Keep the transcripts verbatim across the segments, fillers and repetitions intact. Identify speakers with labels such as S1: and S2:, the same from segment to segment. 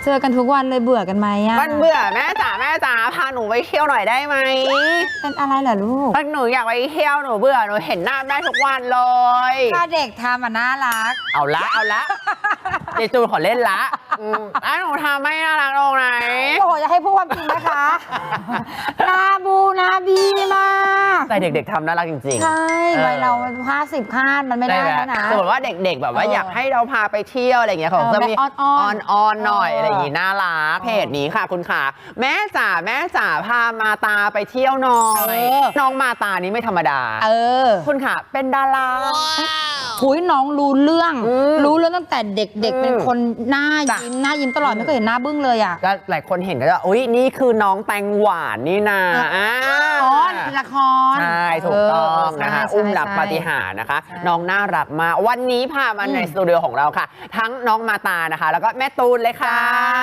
S1: เจอกันทุกวันเลยเบื่อกันไหมอ่ะ
S2: มันเบื่อแม่จ๋าแม่จ๋าพาหนูไปเที่ยวหน่อยได้ไหม
S1: เป็นอะไรเหรอลูก
S2: หนูอยากไปเที่ยวหนูเบื่อหนูเห็นหน้าแม่ทุกวันเลย
S1: ถ้าเด็กทำอ่ะน่ารัก
S2: เอาละเอาละเดี๋ยวจูนขอเล่นละอ่ะหนูทำไม่น่ารักตรงไหน
S1: โอ้จะให้พูดความจริงนะคะนาบูนาบีมาก
S2: แต่เด็กๆทำน่ารักจริงๆ
S1: ใช่วัยเราห้าสิบคาดมันไม่ได้แล้วนะ
S2: สมมติว่าเด็กๆแบบว่าอยากให้เราพาไปเที่ยวอะไรอย่างเงี้ยเขาจะมีอ่อนๆหน่อยอะไรอย่างงี้น่ารักเพจนี้ค่ะคุณขาแม่จ๋าแม่จ๋าพามาตาไปเที่ยวหน่อยน้องมาตานี้ไม่ธรรมดาเออคุณขาเป็นดารา
S1: คุยน้องรู้เรื่องรู้เรื่องตั้งแต่เด็กๆเป็นคนหน้ายิ้มหน้ายิ้มตลอดไม่เคยเห็นหน้าบึ้งเลยอ่ะ
S2: ก็หลายคนเห็นก็จะอุ้ยนี่คือน้องแตงหวานนี่นา
S1: อ๋อละคร
S2: ใช่ถูกต้องนะคะอุ้มรักปาฏิหาริย์นะคะน้องน่ารักมากวันนี้พามาในสตูดิโอของเราค่ะทั้งน้องมาตานะคะแล้วก็แม่ตูนเลยค่ะ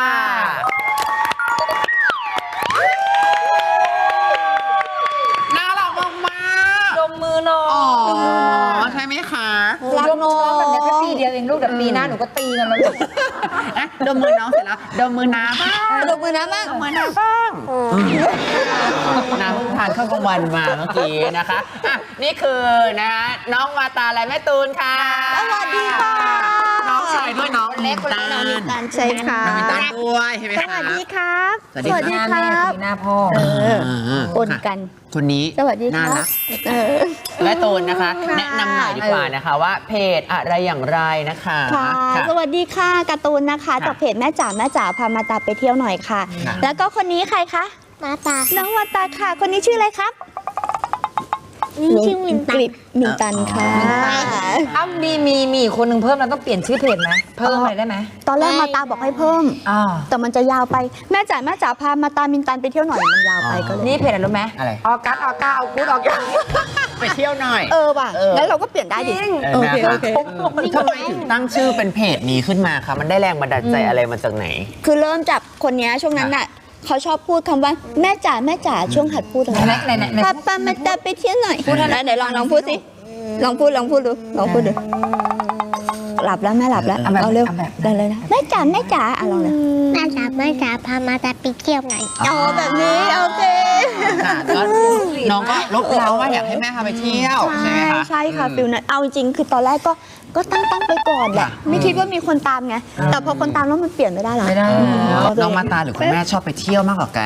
S2: น่ารักมาก
S1: ดมมือน้อง
S2: อ๋อใช่ไหมคะ
S1: รักน้องแบบนี้แค่ปีเดียวเองลูกเดี๋ยวปีหน้าหนูก็ตีกันแล้วลูก
S2: ดมมือน้องเสร็จแล้วดมมือน้าบ้าง
S1: ดมมือน้าบ้าง
S2: ดมมือน้าบ้างน้ำทานข้าวกลางวันมาเมื่อกี้นะคะอ่ะนี่คือนะน้องมาตาและแม่ตูนค่ะ
S1: สวัสดีค่ะ
S2: น้องชายด้วยน้อง
S1: เล็กคนน้องมีตาใช่ค่ะ
S2: น้องมีตาด้วยใช่ไหมคะ
S1: สวัสดีครับ
S2: สวัสดี
S1: ครับหน้าพ่อปนกัน
S2: คนนี้
S1: สวัสดีค่ะ
S2: แม่ตูนนะคะแนะนำหน่อยดีกว่านะคะว่าเพจอะไรอย่างไรนะคะ
S3: สวัสดีค่ะการ์ตูนนะคะจากเพจแม่จ๋าแม่จ๋าพามาตาไปเที่ยวหน่อยค่ะแล้วก็คนนี้ใครคะ
S4: มาตา
S3: น้องมาตาค่ะคนนี้ชื่ออะไรครับ
S4: นี่ชื่อมินตัน
S3: มินตันค่ะ
S1: อ้าวมีมีมีคนหนึ่งเพิ่มเราต้องเปลี่ยนชื่อเพจไหมเพิ่มอะไรได้ไหม
S3: ตอนแรกมาตาบอกให้เพิ่มแต่มันจะยาวไปแม่จ๋าแม่จ๋าพามาตามินตันไปเที่ยวหน่อยมันยาวไปก็เลย
S1: นี่เพจอะไรรู้ไหม
S2: อะไร
S1: ออกัสออก้าเอากูดออก้า
S2: ไปเที่ยวหน่อย
S3: เออว่ะแล้วเราก็เปลี่ยนได้ดิ
S2: โอเคโอเคทำไมถึงตั้งชื่อเป็นเพจนี้ขึ้นมาคะมันได้แรงบันดาลใจอะไรมาจากไหน
S3: คือเริ่มจากคนนี้ช่วงนั้นน่ะเขาชอบพูดคำว่าแม่จ๋าแม่จ๋าช่วงหัดพูดอะไรป้าป้ามาตาไปเที่ยวหน่อยพูดอะไรไหนลองลองพูดสิลองพูดลองพูดดูลองพูดดูหลับแล้วแม่หลับแล้วเอาเร็วเลยนะแม่จ๋าแม่จ๋าอ่ะลองเลย
S4: แม่จ๋าแม่จ๋าพามาตาไปเที่ยวหน่อย
S3: อ๋อแบบนี้โอเค
S2: น้องก็ลบเราว่าอยากให้แม่พาไปเที่ยวใช่ไหมคะ
S3: ใช่ค่ะฟิลนั้นเอาจริงคือตอนแรกก็ก็ตั้งตั้งไปก่อนแหละไม่คิดว่ามีคนตามไงแต่พอคนตามแล้วมันเปลี่ยนไม่ได้หรอ
S1: ไม่ได้
S2: น้องมาตาหรือคุณแม่ชอบไปเที่ยวมากกว่ากัน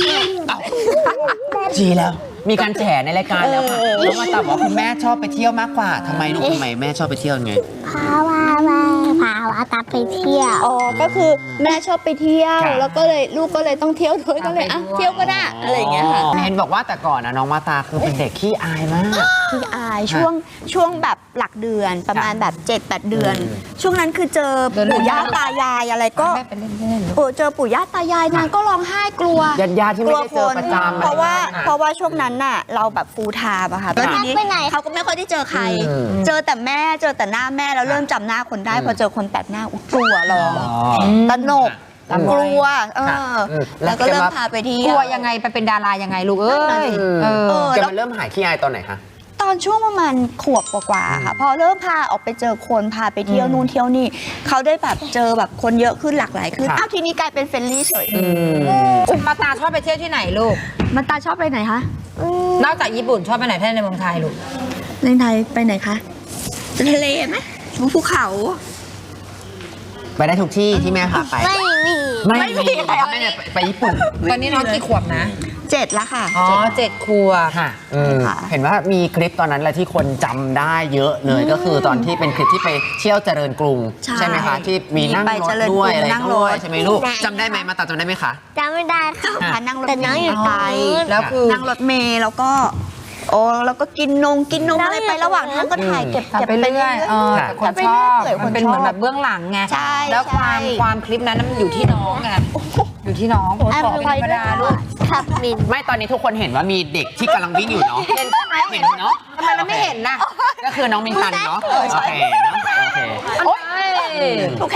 S2: จีแล้วมีการแฉในรายการแล้วค่ะน้องมาตาบอกคุณแม่ชอบไปเที่ยวมากกว่าทำไมลูกทำไมแม่ชอบไปเที่ยวไง
S4: พาว่าแม่พาว่าตาไปเที่ยว
S3: อ๋อก็คือแม่ชอบไปเที่ยวแล้วก็เลยลูกก็เลยต้องเที่ยวด้วยก็เลยอ่ะเที่ยวก็ได้อะไรอย่างเงี้ยค่ะ
S2: เห็นบอกว่าแต่ก่อนนะน้องมาตาคือเป็นเด็กขี้อายมาก
S3: ขี้อายช่วงช่วงแบบหลักเดือนประมาณแบบเจ็ดแปดเดือนช่วงนั้นคือเจอปู่ย่าตายายอะไรก็โอ้เจอปู่ย่าตายายนางก็ร้องไห้กลัว
S2: ญาติญาติที่ไม่ได้เจอประจำ
S3: เพราะว่าเพราะว่าช่วงนั้นน่ะเราแบบฟูลไทม์อะค่ะแล้วทีนี้เขาก็ไม่ค่อยได้เจอใครเจอแต่แม่เจอแต่หน้าแม่แล้วเริ่มจำหน้าคนได้พอเจอคนแปลกหน้ากลัวร้องตระหนกกลัวเออแล้วก็เริ่มพาไปที่
S1: กลัวยังไงไปเป็นดารายังไงลูกเอ้ย
S2: เออจะมันเริ่มหายขี้อายตอนไหนคะ
S3: ตอนช่วงประมาณขวบกว่าๆค่ะพอเริ่มพาออกไปเจอคนพาไปเที่ยวนู่นเที่ยวนี่เขาได้แบบเจอแบบคนเยอะขึ้นหลากหลายขึ้นอ้าวทีนี้กลายเป็นเฟรนลี่เฉย
S1: มาตาชอบไปเที่ยวที่ไหนลูก
S3: มาตาชอบไปไหนคะ
S1: นอกจากญี่ปุ่นชอบไปไหนแท่ในเมืองไทยลูก
S3: ในไทยไปไหนคะทะเลไหมภูเขา
S2: ไปได้ทุกที่ที่แม่พาไป
S4: ไม่มี
S2: ไม่มีแม่ไปญี่ปุ่น
S1: ตอนนี้น้องกี่ขวบนะ
S3: เจ็ดแล้วค่ะ
S1: อ๋อเจ็ดขวบ
S2: ค่ะเห็นว่ามีคลิปตอนนั้นแหละที่คนจำได้เยอะเลยก็คือตอนที่เป็นคลิปที่ไปเที่ยวเจริญกรุงใช่ไหมคะที่มีนั่งรถด้วยอะไรด้วยใช่ไหมลูกจำได้ไหมมาตัดจำได้ไหมคะ
S4: จำไม่ได้ค่ะ
S3: นั่งรถเมล์ไป
S1: แล้วคือ
S3: นั่งรถเมล์แล้วก็โอ้แล้วก็กินนงกินนมอะไรไประหว่างทางก็ถ่ายเก็บ
S1: เก็บไปเรื่อยคนชอบมันเป็นเหมือนแบบเบื้องหลังไงแล้วความความคลิปนั้นมันอยู่ที่น้องไงอยู่ที่น้องผมขอเป็นธรรมดาลูก
S2: ไม่ตอนนี้ทุกคนเห็นว่ามีเด็กที่กำลังวิ่งอยู่เนาะ
S1: เห็นใช่ไหม
S2: เห็นเนาะ
S1: ทำไมเราไม่เห็นนะ
S2: ก็คือน้องมินตันเนาะโอเคเนาะโอเค
S3: ถูกเห็นทุกคน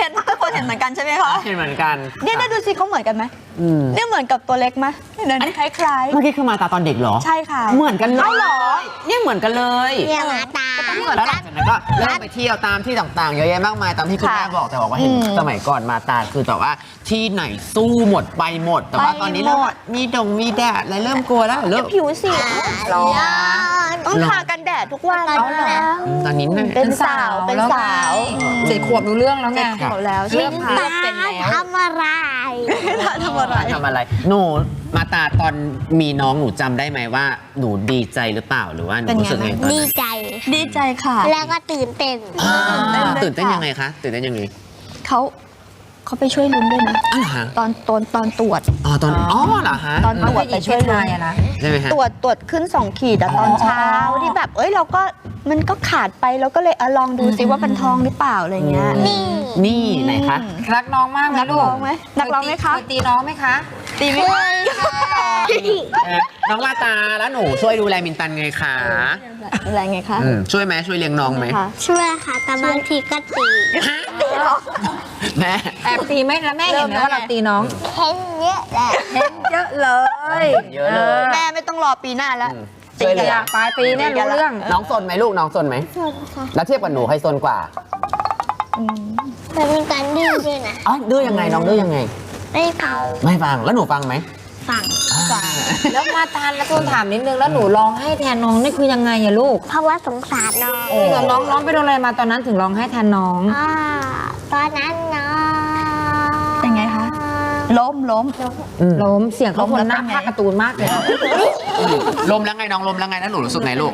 S3: คนเห็นเหมือนกันใช่ไหมคะ
S2: เห็นเหมือนกัน
S3: เนี่ยดูสิเขาเหมือนกันไหม
S2: อืม
S3: เนี่ยเหมือนกับตัวเล็กไหมเนี่ยคล้าย
S2: เมื่อกี้คือมาตาตอนเด็กเหรอ
S3: ๆใช่ค่ะ
S2: เหมือนกันเลยเหรอเนี่ยเหมือนกันเลย
S4: เนี่ยมาตา
S2: แล้วหลังจากนั้นก็เริ่มไปเที่ยวตามที่ต่างๆเยอะแยะมากมายตามที่คุณแม่บอกแต่บอกว่าเห็นสมัยก่อนมาตาคือแต่ว่าที่ไหนสู้หมดไปหมด แต่ว่าตอนนี้เริ่มมีดงมีแดดอะไรเริ่มกลัวแล้วเริ่ม
S3: ผิวสี
S1: ร้อน
S3: ต้องทากันแดดทุกวัน
S4: เอาเหรอ
S2: ตอนนี้น่ะ
S3: เป็นสาวเป็นสาว
S1: เจ็ดขวบรู้เรื่องแล้วไง
S3: หมดแล้ว
S1: เริ่
S3: ใช่
S1: ม
S3: ไหม
S1: เริ่
S3: คะ
S1: มเป็นแล้ว
S4: ทำอะไร
S3: ทำอะไร
S2: ทำอะไรหนูมาตาตอนมีน้องหนูจำได้ไหมว่าหนูดีใจหรือเปล่าหรือว่าหนูรู้สึกไงตอน
S4: ดี
S2: นั้น
S4: ใจ
S3: ดีใจค่ะ
S4: แล้วก็ตื่นเต้น
S2: อ่า
S3: ตื่
S2: ตื่
S3: น
S2: น
S3: เต้
S2: เต้
S3: น
S2: น
S3: ค่ะ
S2: ยังไงคะตื่นเต้นยังไง
S3: เขาเขาไปช่วยลุ้นด้วยนะ
S2: อ๋อเหรอฮะ
S3: ตอนตอนตอนตรวจ
S2: อ๋อตอนอ๋อเหรอฮะ
S3: ตอนตรวจไปช่วยลุ้น
S1: อะนะ
S2: ใช่ไหมฮะ
S3: ตรวจตรวจขึ้นสองขีดอะตอนเช้าที่แบบเอ้ยเราก็มันก็ขาดไปเราก็เลยเอาลองดูซิว่าเป็นทองหรือเปล่าอะไรเงี้ย
S4: นี่
S2: นี่ไหนคะ
S1: รักน้องมากไหม
S3: นัก
S1: ลูก
S3: ร้องไหมนักร้องไหมคะ
S1: เคยตีน้องไหมคะ
S3: ตีไหมคะ
S2: เอ่อน้องมาตาแล้วหนูช่วยดูแลมินตันไงคะ
S3: อะไรไงคะ
S2: อืมช่วยไหมช่วยเลี้ยงน้องไหม
S3: คะ
S4: ช่วยค่ะแต่บางทีก็ตี
S2: แม่
S1: แอบตีไหมแล้วแม่เห็นไหมว่าเราตีน้อง
S4: เห็นเยอะแหละ
S1: เห็นเยอะเลย
S2: เยอะเลย
S3: แม่ไม่ต้องรอปีหน้าแล้ว
S2: อืมช่วยเหลือ
S1: ปลายปีเนี่ยรู้เรื่อง
S2: น้องซนไหมลูกน้องซนไหม
S4: ส่วนค่ะ
S2: แล้วเทียบกับหนูใครซนกว่า
S4: แต่มีการดื้อด้วยนะ
S2: อ๋อดื้อยังไงน้องดื้อยังไง
S4: ไม่เป่า
S2: ไม่ฟังแล้วหนูฟังไหม
S4: ฟัง
S1: แล้วมาทานแล้วทูนถามนิดนึงแล้วหนูร้องให้แทนน้องนี่คือยังไงอะลูก
S4: เพราะว่าสงสารน้อง
S1: จริงเหรอน้องร้องไปโดนอะไรมาตอนนั้นถึงร้องให้แทนน้อง
S4: อ่าตอนนั้นน้อง
S3: เป็นไงคะ ล้มล้ม
S1: ล้มเสียงเขา
S3: ล้ม
S1: คน
S3: แล้ว
S1: หน้า
S3: เป็นไง
S1: ภาคการ์ตูนมากเลย
S2: ลมแล้วไงน้องลมแล้วไงแล้วหนูรู้สึกไงลูก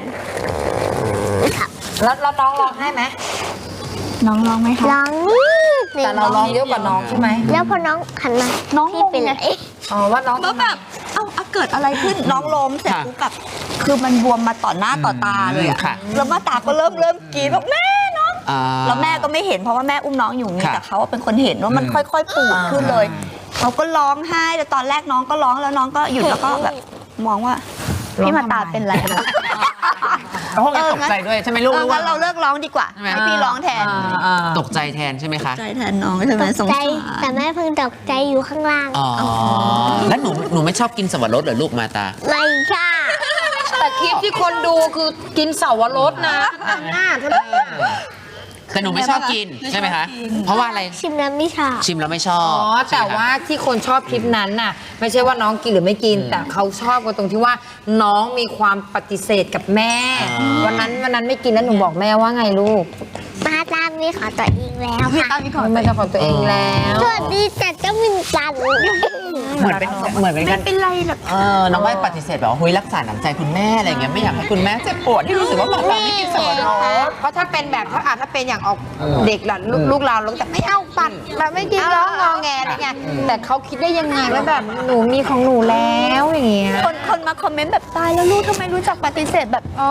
S1: แล้วแล้วน้องร้องให้ไหม
S3: น้องร้องไหมคะ
S4: ร้อง
S1: แต่เราร้องเยอะกว่าน้องใช่ไหม
S4: แล้วพอน้องหันมา
S3: น้อง
S4: พี่เป็น
S3: งงไง
S4: ไร
S1: อ๋อว่าน้อง
S3: ก็แบบ เอ้าเอาเกิดอะไรขึ้น น้องล้มเสร็จปุ๊บแบบ คือมันบวมมาต่อหน้าต่อตาเลยอะ
S2: ค่ะ
S3: แล้วมาตาก็เริ่มเริ่มกรีดบอกแม่น้อง
S2: อ่า
S3: แล้วแม่ก็ไม่เห็นเพราะว่าแม่อุ้มน้องอยู่นี่
S2: ค่ะ
S3: แต่เขาเป็นคนเห็นว่ามัน
S2: อืม
S3: ค่อยๆปูดขึ้นเลย เขาก็ร้องไห้แต่ตอนแรกน้องก็ร้องแล้วน้องก็หยุดแล้วก็แบบมองว่าพี่มาตาเป็นไรนะ
S2: เขาคงจะตกใจด้วยใช่ไหมลูก
S3: เอ
S2: ห
S3: อ
S2: รือว่า
S3: งั้นเราเลิกร้องดีกว่า
S2: ใช่ไหม
S3: ให้พี่ร้องแทน
S1: อ่า
S2: ตกใจแทนใช่ไหมคะ
S3: ใจแทนน้องใช่ไหมสง
S4: ใจ
S3: สาร
S4: แต่แม่เพิ่งตกใจอยู่ข้างล่าง
S2: อ๋อแล้วหนูหนูไม่ชอบกินสับปะรดเหรอลูกมาตา
S4: ไม่ใช่
S1: แต่คลิปที่คนดูคือกินเสาวรสนะหน้าเท่านั้น
S2: แต่หนูไม่ชอบกินใช่ไหมคะ เพราะว่าอะไร
S4: ชิมแล้วไม่ชอบ
S2: ชิมแล้วไม่ชอ
S1: อ๋
S2: บ
S1: อ
S2: ใช่
S1: แต่
S2: ไหมคะ
S1: ว่าที่คนชอบคลิปนั้นน่ะ ไม่ใช่ว่าน้องกินหรือไม่กิน แต่เขาชอบกันตรงที่ว่าน้องมีความปฏิเสธกับแม่ วันนั้นวันนั้นไม่กินแล้วหนูบอกแม่ว่าไงลูก
S4: มาตามมีขอตัวเองแล้ว
S3: พี่
S4: ค่ะ
S3: ตั้งนี่ก่อน
S1: ไม่ใช่ของตัวเองแล้ว
S4: สวัสดีจัดเจ้ามินจัน
S2: เหมือนเป็นเหมือนเป็นกัน
S3: เป็นไรหรอก
S2: เออน้องไม่ปฏิเสธแบบว่าเฮ้ยรักษาน้ำใจคุณแม่อะไรเงี้ยไม่อยากให้คุณแม่เจ็บปวดที่รู้สึกว่ามาตาไม่กินสับปะรด
S1: เพราะถ้าเป็นแบบถ้าอาจถ้าเป็นอย่างออกเด็กล่ะลูกลูกเราลูกแต่ไม่เอาปัดแบบไม่กินร้องงอแงอะไรเงี้ยแต่เขาคิดได้ยังไงว่าแบบหนูมีของหนูแล้วอย่างเงี้ย
S3: คนคนมาคอมเมนต์แบบตายแล้วลูกทำไมรู้จักปฏิเสธแบบ
S1: อ๋อน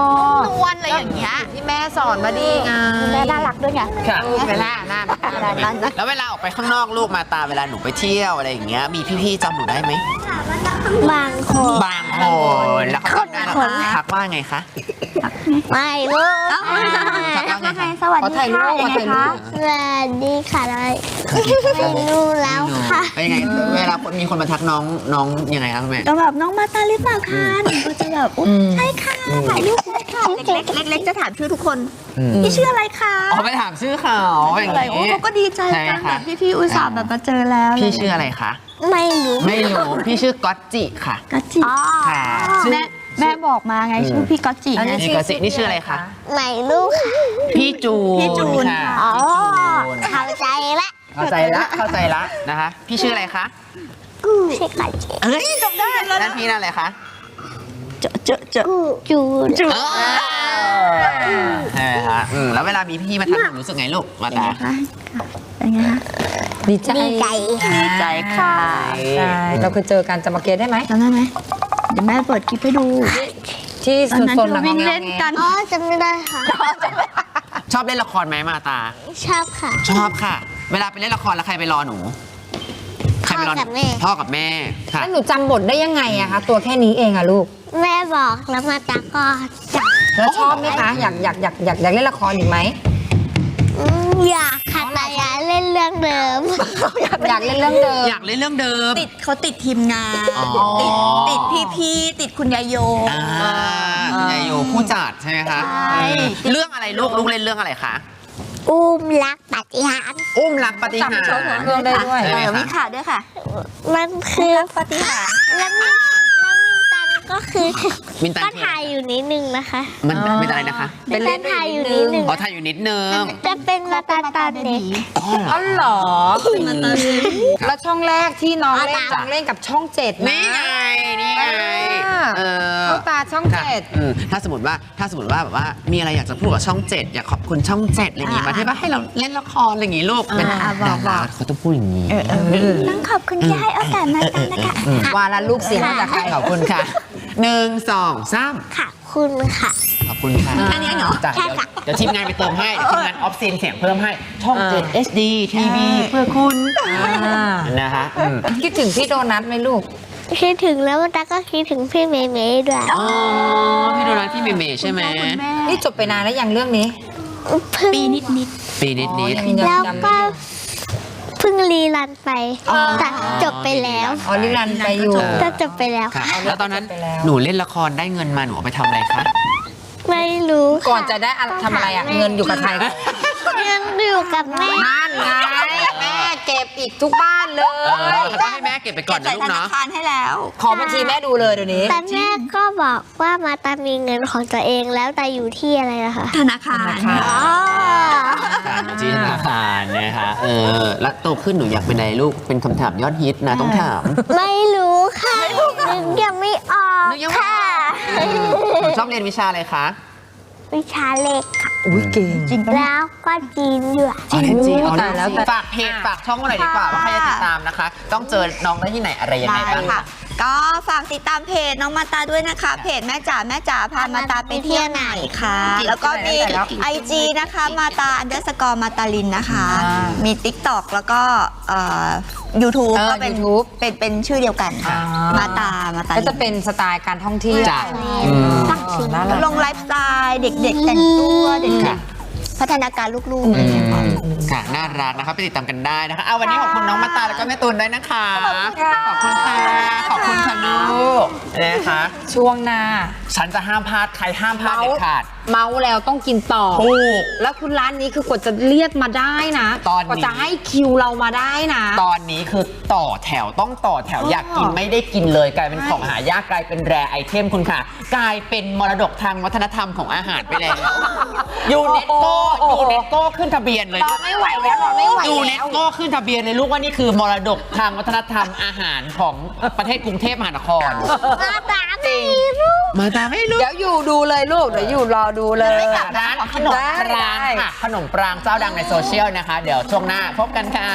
S3: วลอะไรอย่างเงี้ย
S1: ที่แม่สอนมาดีไง
S3: แม่น่ารักด้วยไง
S2: ค่ะ
S1: เวลาหน้า
S3: อะไรนั่นนะ
S2: แล้วเวลาออกไปข้างนอกลูกมาตาเวลาหนูไปเที่ยวอะไรอย่างเงี้ยมีพี่ๆจำหนูได้ไหม
S4: บางคน
S2: บางคนแล้วเขาทักได้แล้วทักว่าไงคะ
S4: ไม่รู้
S2: ทักว่าไงคะ
S3: สวัส
S1: ขอ
S3: ดี
S1: ถ่ายรู
S3: ค่ะ
S1: ปขอถ่ายรูป
S4: สวัสดีค่ะอะไรไม่รู้แล้วค่ะ
S2: เป็นยังไงเวลาคนมีคนมาทักน้องน้องยังไงครับคุณแม่
S3: ก็แบบน้องมาตาหรือเปล่าคะหนูก็จะแบบอุ๊ยใช่ค่ะถ่ายรูปได้ค่ะเล็กๆเล็กๆจะถามชื่อทุกคน
S2: อืม
S3: พี่ชื่ออะไรคะ
S2: อ๋อไปถามชื่อเขาอย่าง
S3: อะไรโอ้
S2: งี้
S3: เขาก็ดีใจ
S2: ใช่
S3: กันแบ
S2: ค่ะ
S3: บพี่ๆอุตส่าห์แบบมาเจอแล้ว
S2: พี่ชื่ออะไรคะ
S4: ไม่รู้
S2: ไม่รู้พี่ชื่อก๊อตจิค่ะ
S3: กัจจิ
S4: อ๋อ
S2: ค่ะชื่อ
S3: แม่แม่บอกมาไงชื่อพี่กัจจิไง
S2: นี่ก๊อตจินี่ชื่ออะไรคะ
S4: ไม่รู้ค่ะ
S2: พี่จูน
S3: พี่จูน
S2: ค่ะ
S3: ค่ะ
S4: อ๋อ
S2: พี่จูน
S4: เข้าใจละ
S2: เข้าใจละเข้าใจละนะคะพี่ชื่ออะไรคะ
S4: ใช่ค่ะ
S2: เอ้ยจำได้แล้วนั่นพี่นั่นอะไรคะ
S3: เจอเจอเจอ
S4: จูน
S3: จู
S2: เออใช่ไหมคะอืมแล้วเวลามีพี่มาทักหนูรู้สึกไงลูกมาตา
S3: เป็นไงคะ
S1: ดีใจ
S4: ดีใจ
S3: ดีใจค่ะ
S1: ใช่เราเคยเจอกันจำมาเกตได้ไหม
S3: จำได้ไหมเดี๋ยวแม่เปิดคลิปให้ดู
S1: ที่
S3: ตอนนั้น
S1: โซน
S3: ที่
S1: หลั
S3: เรา
S1: ง
S3: วิ่ง
S1: งอ
S3: เล่น
S1: แง
S3: กัน
S4: อ๋อจำไม่ได้ค่ะ
S2: ชอบเล่นละครไหมมาตา
S4: ชอบค่ะ
S2: ชอบค่ะ เวลาไปเล่นละครแล้วใครไปรอหนูใครไปรอหนู
S4: พ่อกับแม่
S2: พ่อกับแม่ค่ะ
S1: แล้วหนูจำบทได้ยังไงอะคะตัวแค่นี้เองอะลูก
S4: แม่บอกแล้วมาตาก็จับ
S1: แล้วชอบไหมคะอยากอยากอยากอยากอยากเล่นละครอีกไหม
S4: อืมอยากค่ะแต่อย่าเล่นเรื่องเดิม
S1: อยากเล่นเรื่องเดิม
S2: อยากเล่นเรื่องเดิม
S3: ติดเขาติดทีมงาน
S2: อ๋อ
S3: ติดติดพี่ๆติดคุณยายโย
S2: อ่ายายโยผู้จัดใช่ไหมคะ
S3: ใช่
S2: เรื่องอะไรลูกลูกเล่นเรื่องอะไรคะ
S4: อุ้มรักปฏิหารย์
S2: อุ้มรักปฏิหาร
S1: จำเรื่องได้ด้วย
S2: ใช่ไหม
S3: เออ
S2: คะ
S3: มีข่าวด้วยค่ะ
S4: มันคือ
S3: ปฏิหารย์
S4: แล้วมินแล้วมินตันก็คือ
S2: มินตัน
S4: ก็
S2: คือ
S4: ถ่ายอยู่นิดนึงนะคะ
S2: มันเป็นอะไรนะคะ
S4: มินตันถ่ายอยู่นิดนึง
S2: อ๋อถ่ายอยู่นิดนึง
S4: จะเป็นมาตาตาเด็ก
S2: อ๋อเหรอ
S1: อ๋อเหรอแล้วช่องแรกที่น้องเล่น
S4: อ๋อ
S1: น้องเล่นกับช่องเจ็ดนะ
S2: นี่ไง นี่ไง
S1: อ่า
S2: เออ
S1: เข้าตาช่อง
S2: ค่ะ
S1: เจ็ด
S2: อืมถ้าสมมติว่าถ้าสมมติว่าแบบว่ามีอะไรอยากจะพูดกับช่องเจ็ดอยากขอบคุณช่องเจ็ดอะไรอย่างงี้มาที่ว่าให้เราเล่นละครอะไรอย่างงี้ลูกเป็นดาราเขาต้องพูดอย่างงี้
S3: ต้องขอบคุณที่ให้โอกาสมาตันนะคะ
S1: วาละลูกเสียงมาจากใคร
S2: ขอบคุณค่ะหนึ่งสองสาม
S4: ค่ะคุณค่ะ
S2: ขอบคุณค่ะ
S3: แค่นี้เหรอ
S2: จ้ะ
S4: ใช่ค่ะ
S2: เดี๋ยวทีมงานไปเติมให้เดี๋ยวทีมงานออฟซีนเสียงเพิ่มให้ช่องเจ็ด เอช ดี ที วี เพื่อคุณ
S1: อ่า
S2: นะคะอืม
S1: คิดถึงพี่โดนัทไหมลูก
S4: คิดถึงแล้วตาก็คิดถึงพี่เมย์เมย์ด้วย
S2: อ๋อพี่โดนัทพี่เมย์เมย์ใช่ไหม
S1: นี่จบไปนานแล้วยังเรื่องนี้
S4: ปีนิดนิด
S2: ปีนิดนิด
S1: อ๋อยัง
S4: แล้ว
S1: จำ
S4: ก็
S1: ไม่ได้
S4: เพิ่งรีรันไปแต่จบไปแล้ว
S1: อ๋อลิรันไปอยู่
S4: จะจบไปแล้ว
S2: ค่ะ
S4: ค่ะ
S2: แล้วตอนนั้น
S1: ไปแล้ว
S2: หนูเล่นละครได้เงินมาหนูเอาไปทำอะไรคะ
S4: ไม่รู้ค่
S1: ก่อนจะได้อะไรทำอะไรอ่ะ เงินอยู่กับใคร
S4: เงินอยู่กับแม่
S1: นั่นไงแม่เก็บอีกทุกบ้านเล
S2: เออย ก็ให้แม่เก็บไปก่อนนะ
S3: ใส่
S2: ลูก
S3: ธนา
S2: เนาะ
S3: คารให้แล้ว
S1: ขอบัญชีแม่ดูเลยเดี๋ยวนี้
S4: แต่แม่ก็บอกว่ามาตามีเงินของตัวเองแล้วแต่อยู่ที่อะไรนะคะ
S3: ธนาคาร
S1: ธนาคาร
S3: อ๋อ
S2: จีนธนาคารนะคะเออแล้วโตขึ้นหนูอยากเป็นอะไรลูกเป็นคำถามยอดฮิตนะต้องถาม
S4: ไม่รู้ค่ะนึกยังไม่ออก
S2: นึกยังไม่
S4: ค่ะ
S2: หนูชอบเรียนวิชาอะไรคะ
S4: วิชาเลขค่ะ
S1: อุ้ยเก่งจริง
S4: แล้วก็จีนด้วย
S2: อ๋อเรียนจีน
S1: โอ้
S2: อ๋อ
S1: ตายแล้ว
S2: เรียนจีนฝากเพจฝากช่องหน่อยดีกว่าว่าใครจะติดตามนะคะ ต้องเจอน้องได้ที่ไหนอะไรยังไง
S3: ได้
S2: บ้าง
S3: ค่ะ ก็ฝากติดตามเพจน้องมาตาด้วยนะคะ เพจแม่จ๋าแม่จ๋าพามาตาไปเที่ยวไหนค่ะ แล้วก็มี ไอ จี นะคะมาตาอันเดอร์สกอร์มาตาลินนะคะ
S1: อ่ามี
S3: มี ติ๊กต็อก แล้วก็ยูทูบ
S1: เออ
S3: ก็เป็น
S1: YouTube
S3: เป็นเป็นชื่อเดียวกันค่ะ
S1: อ่าม
S3: มาตามาตา
S1: ก็
S3: ลิ
S1: จะ
S3: น
S1: เป็นสไตล์การท่องเที่ยว
S2: จ้ะ
S1: อืม
S4: ตั้งชื่อ
S1: น่ารัก
S3: ลงไลฟ์สไตล์เด็กๆ แต่งตัวเด็ก
S2: ค่ะ
S3: ๆพัฒนาการลูกๆอะไรอย่างเงี้ยค่ะ
S2: ค่ะน่ารักนะคะไปติดตามกันได้นะคะเอาวันนี้ขอบคุณน้องมาตาแล้วก็แม่ตูนด้วยนะคะ ขอบคุณค่ะ ขอบคุณค่ะลูกนะคะ
S1: ช่วงหน้า
S2: ฉันจะห้ามพลาดใครห้ามพลาดเด็ดขาด
S1: เมาแล้วต้องกินต่อ
S2: ถูก
S1: แล้วคุณร้านนี้คือกว่าจะเรียกมาได้นะ
S2: ตอนนี้
S1: กว่าจะให้คิวเรามาได้นะ
S2: ตอนนี้คือต่อแถวต้องต่อแถวอยากกินไม่ได้กินเลยกลายเป็นของหายากกลายเป็นแรไอเทมคุณค่ะ กลายเป็นมรดกทางวัฒนธรรมของอาหารไปแล้วยูเนสโก
S1: โอ้โห
S2: ยูเนสโกขึ้นทะเบียนเลย
S1: รอไม่ไหวแล้วรอไม่ไหว
S2: ยูเน
S1: แล้
S2: ส
S1: ว
S2: โกขึ้นทะเบียนเลยลูกว่านี่คือมรดกทางวัฒนธรรมอาหารของประเทศกรุงเทพมหานคร
S4: มาตาไม่รู้
S2: มาตามไม่รู้
S1: เดี๋ยวอยู่ดูเลยลูก เดี๋ยวอยู่รอดูเลย
S2: ร้านขนมปรางค่ะขนมปรางเจ้าดังในโซเชียลนะคะ เดี๋ยวช่วงหน้าพบกันค่ะ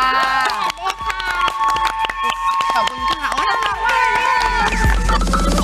S2: ขอบคุณค่ะโอ้ยน่ารักมากเลยเนี่ย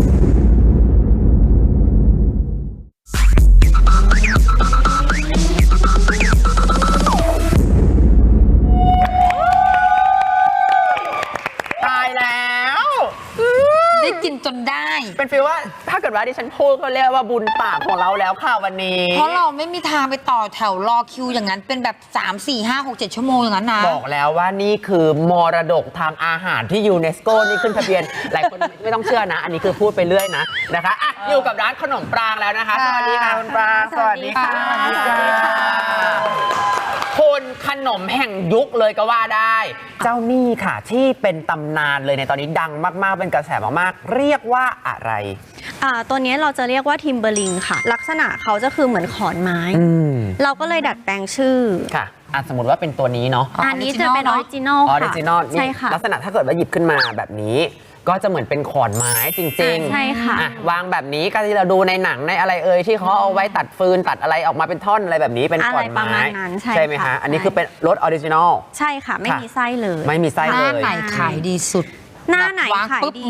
S2: ตายแล้ว
S1: ได้กินจนได้
S2: เป็นฟีลว่าถ้าเกิดว่าดิฉันพูดก็เรียกว่าบุญปากของเราแล้วค่ะวันนี้
S1: เพราะเราไม่มีทางไปต่อแถวรอคิวอย่างนั้นเป็นแบบ สาม สี่ ห้า หก เจ็ด ชั่วโมงอย่างนั้นนะ
S2: บอกแล้วว่านี่คือมรดกทางอาหารที่ยูเนสโกนี่ขึ้นทะเบียน หลายคนไม่ต้องเชื่อนะ อันนี้คือพูดไปเรื่อยนะนะคะอ่ะอยู่กับร้านขนมปรางแล้วนะคะ สวัสดีค่ะคุณปรางสวัสดีค่ะ
S1: สวัสดีค่ะ
S2: คุณขนมแห่งยุคเลยก็ว่าได้ เจ้านี่ค่ะที่เป็นตำนานเลยในตอนนี้ดังมากๆเป็นกระแสมากๆเรียกว่าอะไร
S5: อ่าตัวนี้เราจะเรียกว่าทิมเบอร์ลิงค่ะ ลักษณะเขาจะคือเหมือนขอนไม้
S2: อืม
S5: เราก็เลยดัดแปลงชื่อ
S2: ค่ะอ่ะสมมติว่าเป็นตัวนี้เนาะ
S5: อันนี้จะเป็นออริจินอล
S2: ออ
S5: ค่ะ
S2: ริจินอล
S5: ใช่ค่ะ
S2: ลักษณะถ้าเกิดว่าหยิบขึ้นมาแบบนี้ ก็จะเหมือนเป็นขอนไม้จริง
S5: ใช่ค่ะ
S2: อ่ะวางแบบนี้ก็ที่เราดูในหนังในอะไรเอ่ยที่เขาเอาไว้ตัดฟืนตัดอะไรออกมาเป็นท่อนอะไรแบบนี้เป็นขอน
S5: อะไรประ
S2: ไม้
S5: มาณนั้นใช่
S2: ไหม
S5: ค่ะ
S2: คะอันนี้
S5: ใช่
S2: คือเป็นรสออริจินอล
S5: ใช่ค่ะ ไม่
S2: ค่ะ
S5: มีไส้เลย
S2: ไม่มีไส้
S1: ห
S2: เล
S1: น้าย ไหนขายดีสุด
S5: หน้าไหน
S1: วาง
S5: ขาย
S1: ปุ๊บ
S5: ดี
S1: หมด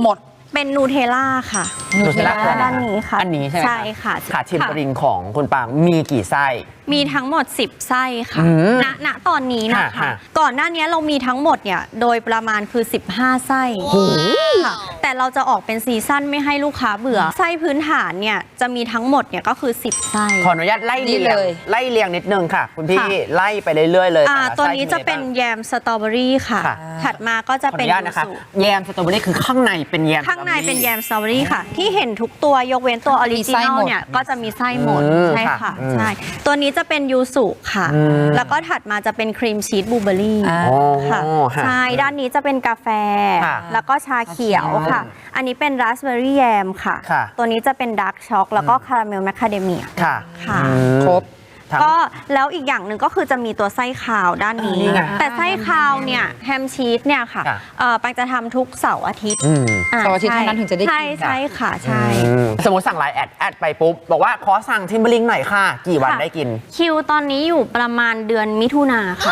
S5: เป็นนูเทลล่าค่ะ
S2: นูเทลล่าคืออะไร
S5: ด้านนี้ค่ะ
S2: อันนี้ใช่ไหม
S5: ใช่ค่ะ
S2: ค่ะทิมบริงของคุณปางมีกี่ไส้
S5: มีทั้งหมดสิบไส้ค่ะ
S2: อืม
S5: ณณตอนนี้นะ
S2: ค่ะ
S5: คะ
S2: ค่ะ
S5: ก่อนหน้านี้เรามีทั้งหมดเนี่ยโดยประมาณคือสิบห้าไส้ค่ะแต่เราจะออกเป็นซีซั่นไม่ให้ลูกค้าเบื่อไส้พื้นฐานเนี่ยจะมีทั้งหมดเนี่ยก็คือสิบไส้
S2: ขออนุญาตไล่
S1: นี่
S2: เรียง
S1: เลย
S2: ไล่เรียงนิดนึงค่ะ คุณพี่
S5: ค่ะ
S2: ไล่ไปเรื่อยๆเลย
S5: อ่า
S2: แต่ละ
S5: ตัว
S2: ไส้
S5: นี้จะเป็น
S2: มีอไรบ้าง
S5: แยมสตรอเบอรี่ค่ะ
S2: ค่ะ
S5: ถัดมาก็จะ
S2: ขออ
S5: เป็น
S2: นุญาต
S5: ยู
S2: นะคะ
S5: สุ
S2: แยมสตรอเบอรี่คือข้างในเป็นแยม
S5: ข้างในเป็นแย
S2: สตรอ
S5: มสตรอเบอรี่ค่ะ ที่เห็นทุกตัวยกเว้นตัวออริจินอลเนี่ยก็จะมีไส้หมด
S2: อืม
S5: ใช่
S2: ค่ะ
S5: ค่ะ
S2: อืม
S5: ใช่ตัวนี้จะเป็นยูสุค่ะ
S2: อืม
S5: แล้วก็ถัดมาจะเป็นครีมชีสบลูเบอรี่
S1: อ่า
S2: อ๋อ
S5: ค่ะ
S2: ค่ะ
S5: ใช่ด้านนี้จะเป็นกาแฟ
S2: ค่ะ
S5: แล้วก็ชาเขียวค่ะ อันนี้เป็นราสเบอร์รี่แยมค่ะ
S2: ค่ะ
S5: ตัวนี้จะเป็นดาร์กช็อกแล้วก็คาราเมลแมคคาเดเมีย
S2: ค่ะ
S5: ค่ะ
S2: อืม
S1: ครบ
S2: ทั้ง
S5: ก็แล้วอีกอย่างหนึ่งก็คือจะมีตัวไส้คาวด้านนี้
S2: นี่ไง
S5: แต่ไส้คาวเนี่ยแฮมชีสเนี่ยค่ะ
S2: ค่ะ
S5: เอ่อปังจะทำทุกเสาร์อาทิตย์
S2: อืม
S5: อ่
S1: เสาร์อาทิตย์เท่านั้นถึงจะได้กิน
S5: ใช่ใช่ค่ะใช่
S2: อืมสมมติสั่งไลน์แอดแอดไปปุ๊บ บอกว่าขอสั่งทิมเบอร์ลิงหน่อยค่ะ กี่วัน
S5: ค่ะ
S2: ได้กิน
S5: คิวตอนนี้อยู่ประมาณเดือนมิถุนาค่ะ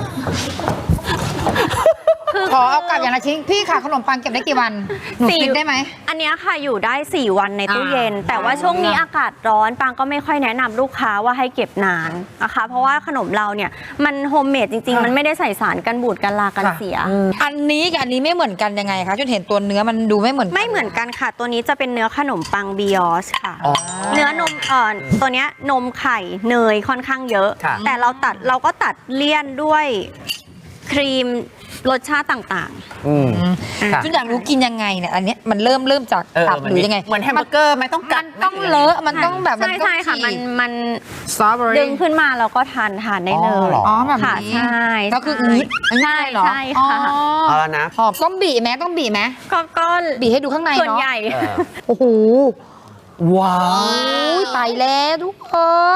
S1: ขอเอากลับอย่างละชิ้นพี่ค่ะขนมปังเก็บได้กี่วันหนู
S5: สี่
S1: กินได้ไหม
S5: อันเนี้ยค่ะอยู่ได้ สี่ วันในตู้
S1: อ่า
S5: เย็น แต่ว่าช่วงนี้อากาศร้อนปังก็ไม่ค่อยแนะนำลูกค้าว่าให้เก็บนานนะคะเพราะว่าขนมเราเนี่ยมันโฮมเมดจริง ๆ มันไม่ได้ใส่สารกันบูดกันลากันเสีย
S1: อันนี้กับอันนี้ไม่เหมือนกันยังไงคะจนเห็นตัวเนื้อมันดูไม่เหมือนกั
S5: ไม่เหมือนกันค่ะ ตัวนี้จะเป็นเนื้อขนมปังบิออสค่ะ
S2: อ๋อ
S5: เนื้อนมเอ่อตัวเนี้ยนมไข่เนยค่อนข้างเยอะ
S2: ค่ะ
S5: แต่เราตัดเราก็ตัดเลี่ยนด้วยครีมรสชาติต่าง
S2: อืมค่ะ
S1: จนอยากรู้กินยังไงเนี่ยอันเนี้ยมันเริ่มเริ่มจาก
S2: เออ
S1: ตับ
S2: มัน
S1: หรือยังไง
S2: เหมือนแฮมเบอร์เกอร์ไหมต้องกั
S1: มั
S2: ด
S1: น
S2: ไหม
S1: ต้อง
S2: หรื
S1: เล
S2: ยังไง
S1: อะมันต้องแบบ
S5: ๆ ใช่ใช่ค่ะมันมัน
S1: สตรอเบอ
S5: ดึ
S1: รี่
S5: งขึ้นมาเราก็ทานทานได้เล
S2: อ๋อย เหรอ
S1: อ๋อแบบ
S5: ค่ะ
S1: นี้
S5: ใช่
S1: ก็คือ
S5: ใช่
S1: อืดง่ายเหรอ
S5: ใช่ค่ะ
S1: อ๋อ
S2: เอาแล้วนะ
S1: หอมต้องบีไหมต้องบีไหม
S5: ก็ก็
S1: บีให้ดูข้างใน
S5: ส่วน
S1: เนาะ
S5: ใหญ่
S2: เออ
S1: โอ้โห
S2: ว้าว
S1: อุ้ยตายแล้วทุกคน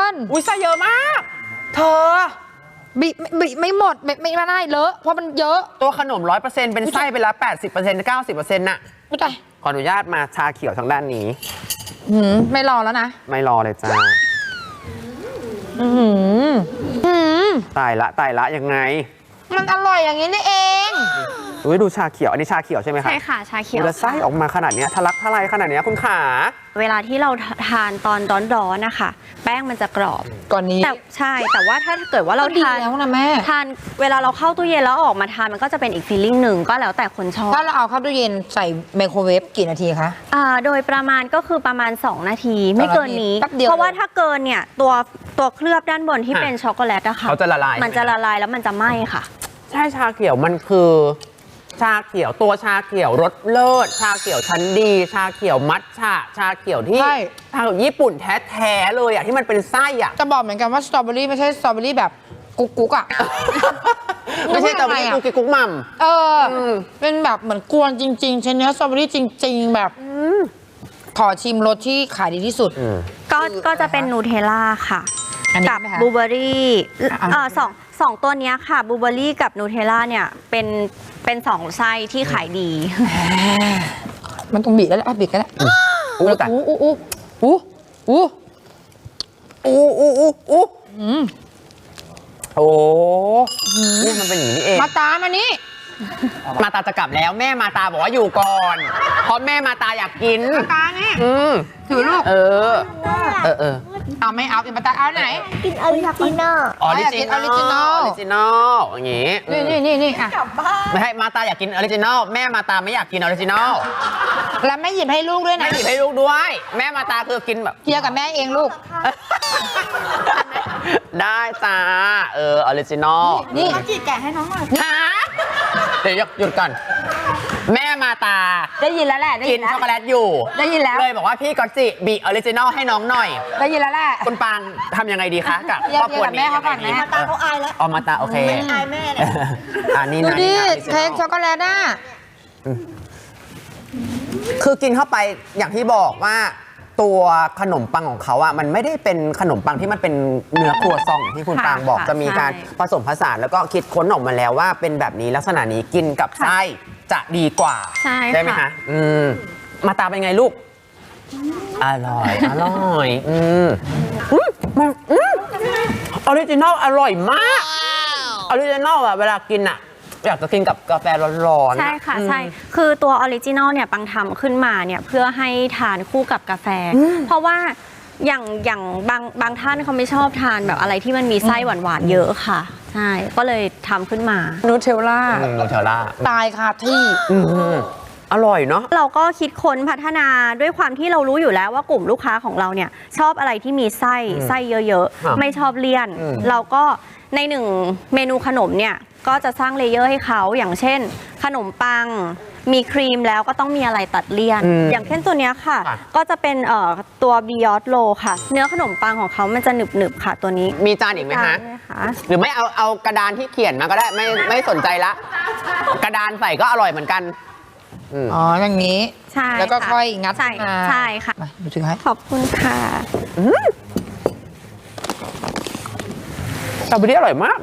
S2: อุ้ยไส้เยอะมาก เธอ
S1: บีไม่บีไม่หมดไม่ไม่ไม่ได้เลอะเพราะมันเยอะ
S2: ตัวขนมร้อยเปอร์เซ็นต์เป็นไส้ไปแล้วแปดสิบเปอร์เซ็นต์เก้าสิบเปอร์เซ็นต์น่ะ
S1: ไม่ได้
S2: ขออนุญาตมาชาเขียวทางด้านนี้
S1: หืมไม่รอแล้วนะ
S2: ไม่รอเลยจ้า
S1: อือหือหืม
S2: ตายละตายละยังไง
S1: มันอร่อยอย่างนี้นี่เอง
S2: อุ้ยดูชาเขียว อันนี้ชาเขียวใช่ไหมคะ
S5: ใช่ค่ะชาเขียว
S2: แล้วไส้ออกมาขนาดเนี้ยทะลักทลายขนาดเนี้ยคุณขา
S5: เวลาที่เราทานตอนร้อนๆนะคะแป้งมันจะกรอบ
S1: ก่อนนี้
S5: แต่ใช่แต่ว่าถ้าเกิดว่าเรา
S1: ก็ดี
S5: ทาน
S1: แล้วนะแม่
S5: ทานเวลาเราเข้าตู้เย็นแล้วออกมาทานมันก็จะเป็นอีกฟีลลิ่งหนึ่งก็แล้วแต่คนชอบ
S1: ถ้าเราเอาเข้าตู้เย็นใส่ไมโครเวฟกี่นาทีคะ
S5: อ่าโดยประมาณก็คือประมาณ สอง นาที ไม่เกินนี้
S1: แป๊บเดียว
S5: เพราะว่าถ้าเกินเนี่ยตัวตัวเคลือบด้านบนที่
S2: ค่ะ
S5: เป็นช็อกโกแลตอะค่ะ
S2: เขาจะละลาย
S5: มันจะละลายแล้วมันจะไหม้ค่ะ
S2: ใช่ชาเขียวมันคือ ชาเขียวตัวชาเขียวรสเลิศชาเขียวชั้นดี ชาเขียวมัทฉะชาเขียวที่
S1: ใช่
S2: ทางญี่ปุ่นแท้ๆเลยอ่ะที่มันเป็นไส้อ่ะ
S1: จะบอกเหมือนกันว่าสตรอเบอรี่ไม่ใช่สตรอเบอรี่แบบกุ๊กกุ๊กอ่ะ
S2: ไม่ใช่ตะวันกุกกิกกุ๊กมัม
S1: เอออ
S2: ม
S1: เป็นแบบเหมือนกวนจริงๆใช้เนื้อสตรอเบอรี่จริง ๆ แบบขอชิมรสที่ขายดีที่สุด
S5: ก็ก็จะเป็นนูเทลล่าค่ะ
S1: อันนี้
S5: กั
S1: ไหมคะ
S5: บลูเบอรี่
S1: อ่ะ
S5: เออสองสองตัวเนี้ยค่ะบลูเบอรี่กับนูเทลล่าเนี่ยเป็นเป็นสองไส้ที่ขายดี
S1: มันต้องบีบแล้วแหละอ่ะบีบกันแล้ว
S2: อู้แต่
S1: อู้อู้อู้อู้อู้
S2: อู้อู้อู้อู้
S1: อืม
S2: โอ้นี่มันเป็นอย่างนี้นี่เอง
S1: มาตามอันนี้
S2: มาตาจะกลับแล้วแม่มาตาบอกว่าอยู่ก่อน เพราะแม่มาตาอยากกิน
S1: มาตานี่
S2: อืม
S1: ถือลูก
S2: เออ เออเออ
S1: เอาไม่เอาอีกมาตาเอาไหน
S4: กินออริจินอล
S2: ออริจินอล
S1: ออริจินอล
S2: ออริจินอลอย่างงี้
S1: นี่นี่นี่นี่อ่ะ
S2: ไม่ให้มาตาอยากกินออริจินอลแม่มาตาไม่อยากกินออริจินอล
S1: แล้วแม่หยิบให้ลูกด้วย
S2: ไม่
S1: นะ
S2: หยิบให้ลูกด้วย แม่มาตาคือกินแบบ
S1: เคลียร์กับแม่เองลูก
S2: ได้จ้า เออออริจินอล
S1: นี่
S3: จีแกะให้น้องหน่อย
S2: ฮะเดี๋ยวหยุดก่อน แม่มาตา
S1: ได้ยินแล้วแหละได้
S2: กิ
S1: ยิ
S2: น
S1: นแล้ว
S2: ช็อกโกแลตอยู่
S1: ได้ยินแล้ว
S2: เลยบอกว่าพี่ก๊อตจิบีออริจินอลให้น้องหน่อย
S1: ได้ยินแล้วแหละ
S2: คุณปางทำยังไงดีคะกับ
S1: เรียก
S2: ครอบครัว
S1: เรียกกับแม่
S2: นี้
S1: เขาก่อนนะ
S2: มาตาเขาอายแล้วอ๋อมาตาโอเค
S3: อายแม่เนี่ย
S2: อันนี้
S1: ดู
S2: นะ
S1: ดิ
S2: นี่นะ original
S1: เค้กช็อกโกแลตอ่ะ
S2: คือกินเข้าไปอย่างที่บอกว่าตัวขนมปังของเขาอ่ะมันไม่ได้เป็นขนมปังที่มันเป็นเนื้อครัวซองอย่างที่คุณ
S5: ค่ะ
S2: ปางบอก
S5: ค่ะ
S2: จะมีการ
S5: ใช่
S2: ผสมผสานแล้วก็คิดค้นออกมาแล้วว่าเป็นแบบนี้ลักษณะนี้กินกับไส้จะดีกว่า
S5: ใช่
S2: ไหม
S5: ค่ะ
S2: คะอืมมาตาเป็นไงลูก อร่อย อร่อยอืมอืมมันอืมออริจินอลอร่อยมากออริจินอลอ่ะเวลากินอ่ะอยากจะกินกับกาแฟร้อนๆ
S5: ใช่ค่ะ
S2: อืม
S5: ใช่คือตัวออริจินอลเนี่ยปังทำขึ้นมาเนี่ยเพื่อให้ทานคู่กับกาแฟ เพราะว่าอย่างอย่างบางบางท่านเขาไม่ชอบทานแบบอะไรที่มันมีไส้หวานๆเยอะค่ะใช่ก็เลยทำขึ้นมา
S1: นูเทลล่า
S2: อืมนูเทลล่า
S1: ตายคาที่
S2: อืมอร่อยเนาะ
S5: เราก็คิดค้นพัฒนาด้วยความที่เรารู้อยู่แล้วว่ากลุ่มลูกค้าของเราเนี่ยชอบอะไรที่มีไส้
S2: อืม
S5: ไส้เยอะ
S2: ครับ
S5: ๆ ไม่ชอบเลี่ยน
S2: อืม
S5: เราก็ในหนึ่งเมนูขนมเนี่ยก็จะสร้างเลเยอร์ให้เขาอย่างเช่น ขนมปังมีครีมแล้วก็ต้องมีอะไรตัดเลี่ยน
S2: อืม
S5: อย่างเช่นตัวเนี้ยค่ะ
S2: ค่ะ
S5: ก็จะเป็นเอ่อตัวบิยอตโลค่ะ เนื้อขนมปังของเขามันจะหนึบๆค่ะตัวนี้
S2: มีจานอีกไหมฮะ
S5: ได้ค่ะ
S2: หรือไม่เอาเอากระดานที่เขียนมาก็ได้ไม่ไม่สนใจละ กระดานใส่ก็อร่อยเหมือนกันอืม
S1: อ๋อ อย่างนี้
S5: ใช่
S1: แล้วก็
S5: ค่ะ
S1: ค่อยงัด
S5: ใช่
S1: มา
S5: ใช่ค่ะ
S1: มาดูถือให้
S5: ขอบคุณค่ะ
S2: สตรอเบอรี่อร่อยมาก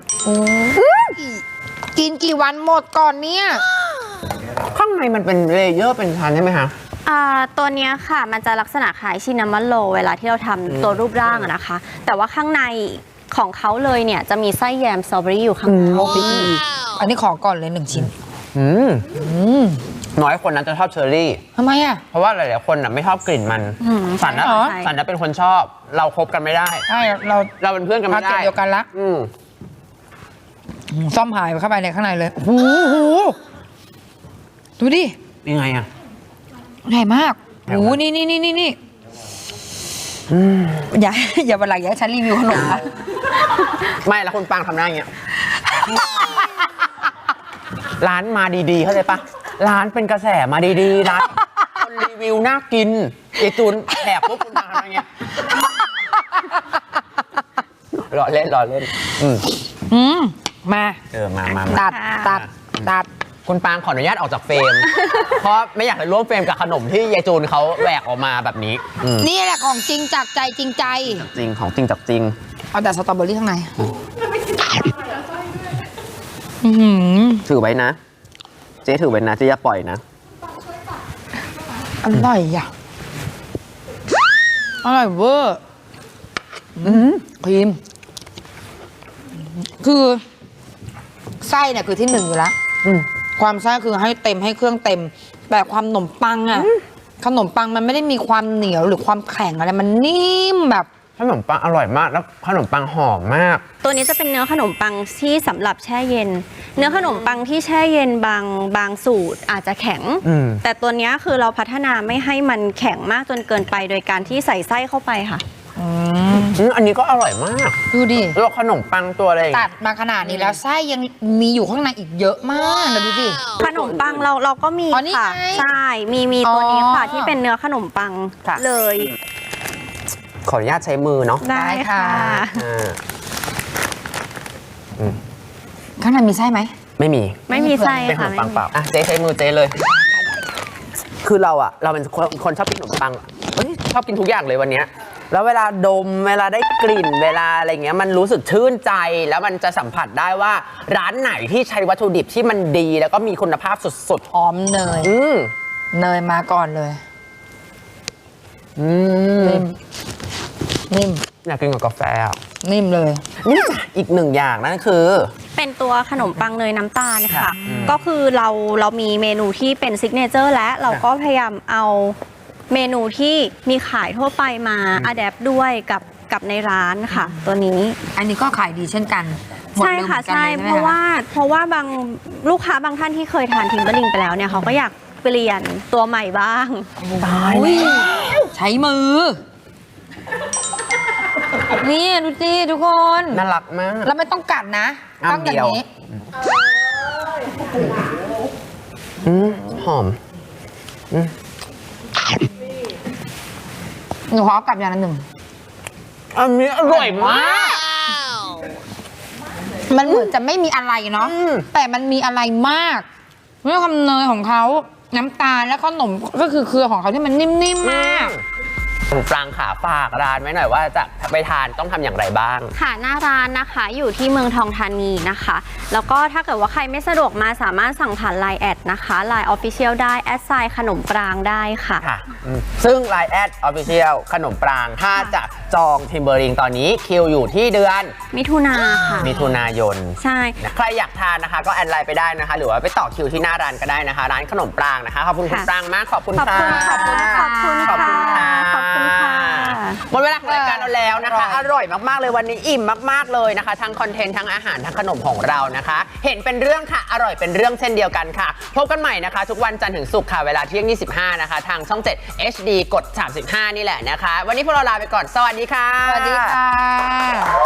S1: กินกี่วันหมดก่อนเนี่ย
S2: ข้างในมันเป็นเลเยอร์เป็นชั้นใช่ไหมคะ
S5: อ่าตัวเนี้ยค่ะมันจะลักษณะคล้ายชินามอนโรเวลาที่เราทำตัวรูปร่างอะนะคะ แต่ว่าข้างในของเขาเลยเนี่ยจะมีไส้แยมสตรอเบอรี่อยู่ข้างใน
S1: โอ้ไปอีกอันนี้ขอก่อนเลยหนึ่งชิ้น
S2: อืม
S1: อืม
S2: น้อยคนนั้นจะชอบเชอร์รี่
S1: ทำไมอ่ะ
S2: เพราะว่าหลายๆคนน่ะไม่ชอบกลิ่นมัน
S5: อืม
S2: สันนะ
S1: เหรอ
S2: สันนะเป็นคนชอบ เราคบกันไม่ได้
S1: ใช่เรา
S2: เราเป็นเพื่อนกัน
S1: มา
S2: ไม่
S1: เก็บ
S2: ได้
S1: เดียวกันละ
S2: อืม
S1: อืมซ่อมหายไปเข้าไปในข้างในเลยโอ้โหดูดิ
S2: ยังไงอ่ะ
S1: ใหญ่มาก
S2: ใหญ่
S1: โอ้
S2: มาก
S1: โหนี่นี่นี่นี่นี่อย่า อย่าบันหลังอย่าให้ฉันรีวิวขนมนะ
S2: ไม่แล้วคุณปังทำหน้าอย่างเงี้ย ร้านมาดีๆเข้าใจปะร้านเป็นกระแสมาดีๆร้านคนรีวิวน่ากินไอจูนแหกพวกคุณปังทำอย่างเงี้ยรอเล่นรอเล่น อืม
S1: อืมมา
S2: เออมามามา
S1: ตัดตัดตัด
S2: คุณปางขออนุญาตออกจากเฟรม เพราะไม่อยากจะร่วมเฟรมกับขนมที่ยายจูนเขาแหวกออกมาแบบนี้อืม
S1: นี่แหละของจริงจากใจจริงใจ
S2: จริงของจริงจากจริง
S1: เอาแต่สตรอเบอรี่ข้างในอื้อหือ
S2: ถือไว้นะ เจ๊ถือไว้นะเจ๊อย่าปล่อยนะ
S1: อร่อยอ่ะ อร่อยเวอร์ครีม คือไส้เนี่ยคือที่หนึ่งอยู่แล้ว
S2: อืม
S1: ความไส้คือให้เต็มให้เครื่องเต็ม แต่ความขนมปังอ่ะ ขนมปังมันไม่ได้มีความเหนียวหรือความแข็งอะไร มันนิ่มแบบ
S2: ขนมปังอร่อยมากแล้วขนมปังหอมมาก
S5: ตัวนี้จะเป็นเนื้อขนมปังที่สำหรับแช่เย็น เนื้อขนมปังที่แช่เย็นบางบางสูตรอาจจะแข็ง
S2: อืม
S5: แต่ตัวเนี้ยคือเราพัฒนาไม่ให้มันแข็งมากจนเกินไปโดยการที่ใส่ไส้เข้าไปค่ะ
S1: อืม
S2: อืมอันนี้ก็อร่อยมาก
S1: ดูดิ
S2: แล้วขนมปังตัวอะไรอย่าง
S1: ตั
S2: เงี้
S1: ด
S2: ย
S1: มาขนาดนี้แล้วไส้ยังมีอยู่ข้างในอีกเยอะมากนะดูดิ
S5: ขนมปังเราเราก็มี
S1: อ๋อนี่
S5: ค่ะ
S1: ไง
S5: ใช่มีมีตัวนี้ค่ะ
S1: อ๋อ
S5: ที่เป็นเนื้อขนมปัง
S2: ค่ะ
S5: เลย
S2: ขออนุญาตใช้มือเนาะ
S5: ได้ค่ะ
S2: อ่า
S1: ข้างในมีไส้ไหม
S2: ไม่มี
S5: ไม่มีไส้
S2: เป็นข
S5: ค่ะ
S2: นม
S5: ไม่
S2: ปัง
S5: มี
S2: เปล่าอ่ะเจ๊ใช้มือเจ๊เลย คือเราอะเราเป็นคนคนชอบกินขนมปังเฮ้ยชอบกินทุกอย่างเลยวันเนี้ยแล้วเวลาดมเวลาได้กลิ่นเวลาอะไรเงี้ยมันรู้สึกชื่นใจแล้วมันจะสัมผัสได้ว่าร้านไหนที่ใช้วัตถุดิบที่มันดีแล้วก็มีคุณภาพสุด
S1: หอมเนย
S2: ๆ อืม
S1: เนยมาก่อนเลย
S2: อืม
S1: นิ่ม นิ่ม
S2: อยากกินกับกาแฟอะ
S1: นิ่มเลย
S2: นี่จ้ะอีกหนึ่งอย่างนั่นคือ
S5: เป็นตัวขนมปังเนยน้ำตาลค่ะ
S2: ค่ะอืม
S5: ก็คือเราเรามีเมนูที่เป็นซิกเนเจอร์และเราก็พยายามเอาเมนูที่มีขายทั่วไปมาอัดแอปด้วยกับกับในร้านค่ะ ตัวนี้
S1: อันนี้ก็ขายดีเช่นกันหมด
S5: ใช่
S1: เร็วเหมื
S5: ค่ะ
S1: อนกัน
S5: ใช่
S1: ลยไหม
S5: เพราะว่าเพราะว่าบางลูกค้าบางท่านที่เคยทานทิมเบอร์ลิงไปแล้วเนี่ยเขาก็อยากเปลี่ยนตัวใหม่บ้าง
S1: ตายแล้วใช้มือ นี่ดูสิทุกคน
S2: น่ารักมาก
S1: แล้วไม่ต้องกัดนะ
S2: อ้ำ
S1: ต้องอย่างนี้
S2: เดียว อืมหอม
S1: หนูขอกลับอย่างละหนึ่ง
S2: อันนี้อร่อยมาก
S1: มันเหมือนจะไม่มีอะไรเนาะ
S2: อืม
S1: แต่มันมีอะไรมากเรื่องความเนยของเขาน้ำตาลและขนมก็คือเครือของเขาที่มันนิ่มๆมาก
S2: คุณปรางขาฝากร้านไว้หน่อยว่าจะไปทานต้องทำอย่างไรบ้าง
S5: ค่ะหน้าร้านนะคะอยู่ที่เมืองทองธานีนะคะ แล้วก็ถ้าเกิดว่าใครไม่สะดวกมาสามารถสั่งผ่าน ไลน์ แอดนะคะ ไลน์ Official ได้แอดไซน์ขนมปรางได้ค่ะ
S2: ค่ะอืมซึ่ง ไลน์ แอด Official ขนมปรางถ้าจะจองทิมเบอร์ริงตอนนี้คิวอยู่ที่เดือน
S5: มิถุนาค่ะ
S2: มิถุนายน
S5: ใช่
S2: ใครอยากทานนะคะก็แอดไลน์ไปได้นะคะ หรือว่าไปต่อคิวที่หน้าร้านก็ได้นะคะ ร้านขนมปรางนะคะขอบคุณคุณปรางมากขอบคุณ
S5: ขอบ
S2: ค่ะ
S5: คุณขอบคุณขอบคุณ
S2: ขอบคุณค่ะ
S5: ขอบคุณค่ะ
S2: หมดเวลาของรายการเราแล้วนะคะ อร่อยมากๆเลยวันนี้อิ่มมากๆเลยนะคะทั้งคอนเทนต์ทั้งอาหารทั้งขนมของเรานะคะ เห็นเป็นเรื่องค่ะอร่อยเป็นเรื่องเช่นเดียวกันค่ะพบกันใหม่นะคะ ทุกวันจันทร์ถึงศุกร์ค่ะเวลาเที่ยงยี่สิบห้านะคะทางช่องเจ็ด เอช ดี กดสามสิบห้านี่แหละนะคะ วันนี้พวกเราลาไปก่อนสวัสดีค่ะ
S1: สวัสดีค่ะ